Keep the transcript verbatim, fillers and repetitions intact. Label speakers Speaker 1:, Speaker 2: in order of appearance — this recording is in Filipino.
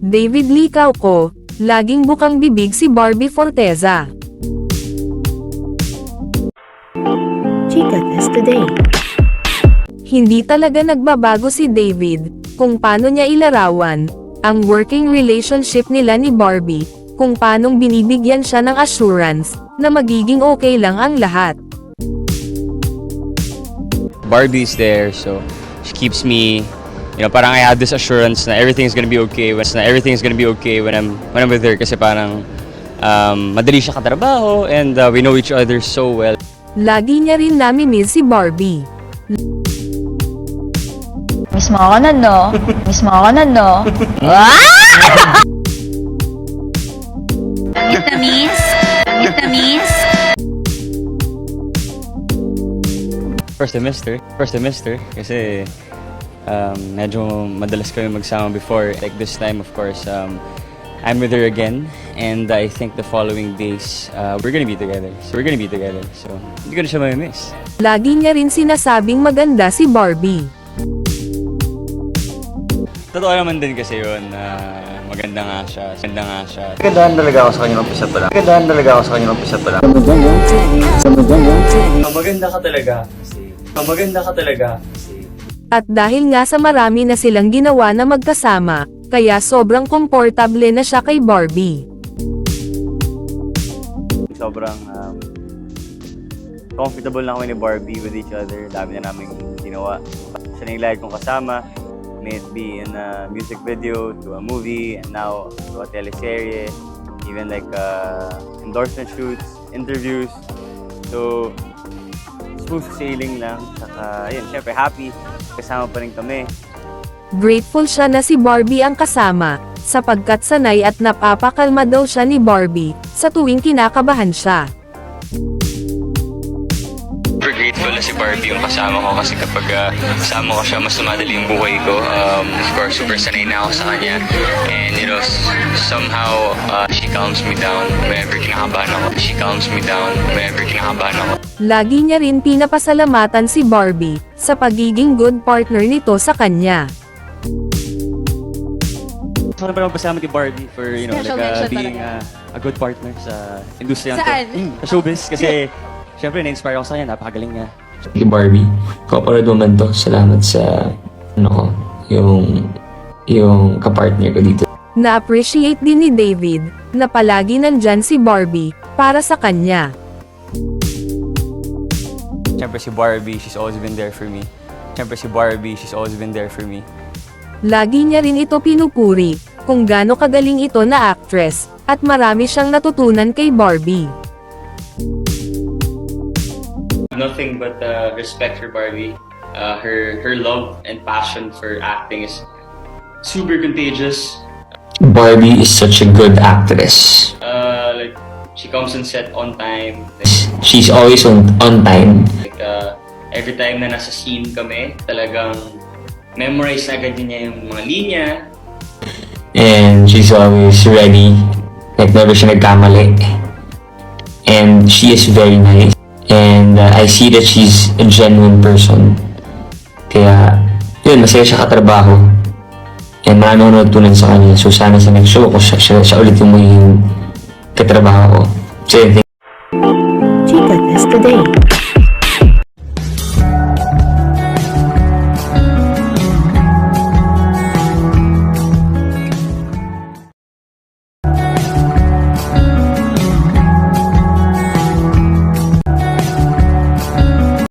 Speaker 1: David Lee Cauco, laging bukang bibig si Barbie Forteza.
Speaker 2: Chika Test Today.
Speaker 1: Hindi talaga nagbabago si David, kung paano niya ilarawan ang working relationship nila ni Barbie, kung paanong binibigyan siya ng assurance na magiging okay lang ang lahat.
Speaker 3: Barbie's there, so she keeps me, you know, parang I have this assurance na everything's gonna be okay, when na everything's gonna be okay when I'm when I'm with her, kasi parang um, madali siya katrabaho and uh, we know each other so well.
Speaker 1: Lagi niya rin nami-miss si Barbie.
Speaker 4: Miss mo ako na, no? Miss mo ako na, no? Tamis na miss? Tamis na miss?
Speaker 3: First semester, first semester, kasi um, medyo madalas kami magsama before. Like this time, of course, um, I'm with her again, and I think the following days, uh, we're gonna be together. So we're gonna be together, so hindi ko na siya mamimiss.
Speaker 1: Lagi niya rin sinasabing maganda si Barbie.
Speaker 3: Totoo naman din kasi yun, na maganda nga siya, maganda nga siya.
Speaker 5: Kagandahan talaga ako sa kanya ng umpisa pa lang. Kagandahan talaga ako sa kanya ng umpisa pa lang.
Speaker 3: Maganda ka talaga kasi. Maganda ka talaga kasi.
Speaker 1: At dahil nga sa marami na silang ginawa na magkasama, kaya sobrang komportable na siya kay Barbie.
Speaker 5: Sobrang um, comfortable na kami ni Barbie with each other. Dami na namin ginawa. Siya na yung lagi kong kasama. May it be in a music video, to a movie, and now to a teleserye, even like uh, endorsement shoots, interviews. So, smooth sailing lang. Saka, yun, syempre happy. Kasama pa rin kami.
Speaker 1: Grateful siya na si Barbie ang kasama, sapagkat sanay at napapakalma daw siya ni Barbie, sa tuwing kinakabahan siya.
Speaker 3: Super grateful na si Barbie yung kasama ko kasi kapag uh, kasama ko siya, mas tumadali yung buhay ko. Um, of course, super sanay na ako sa kanya. And you know, somehow, uh, she calms me down whenever kinakabahan ako. She calms me down whenever kinakabahan ako.
Speaker 1: Lagi niya rin pinapasalamatan si Barbie, sa pagiging good partner nito sa kanya.
Speaker 3: Gusto ko na pala magpasalamat kay Barbie for, you know,
Speaker 4: Special
Speaker 3: like, uh,
Speaker 4: mention
Speaker 3: being
Speaker 4: talaga.
Speaker 3: uh, a good partner sa industriya
Speaker 4: Saan?
Speaker 3: to. Mm, sa showbiz. Kasi, syempre, na-inspire ako sa kanya. Napakagaling niya.
Speaker 6: Kay Barbie, kaparad mo man to. Salamat sa, ano ko, yung, yung kapartner ko dito.
Speaker 1: Na-appreciate din ni David, na palagi nandyan si Barbie, para sa kanya.
Speaker 3: Syempre si Barbie, she's always been there for me. Syempre si Barbie, she's always been there for me.
Speaker 1: Lagi niya rin ito pinupuri, kung gaano kagaling ito na actress, at marami siyang natutunan kay Barbie.
Speaker 3: Nothing but uh, respect for Barbie. Uh, her her love and passion for acting is super contagious.
Speaker 6: Barbie is such a good actress.
Speaker 3: Uh, like she comes on set on time.
Speaker 6: She's always on, on time.
Speaker 3: Like uh, every time na nasa scene kami, talagang memorize agad niya yung mga linya.
Speaker 6: And she's always ready. Like, never siya nagkamali. And she is very nice. And uh, I see that she's a genuine person. Kaya, yun, masaya siya katrabaho. And marami akong natutunan sa kanya. So, sana sa next show ko, siya, siya, siya ulit yung magiging katrabaho ko. So, yun,
Speaker 2: Chika Test Today.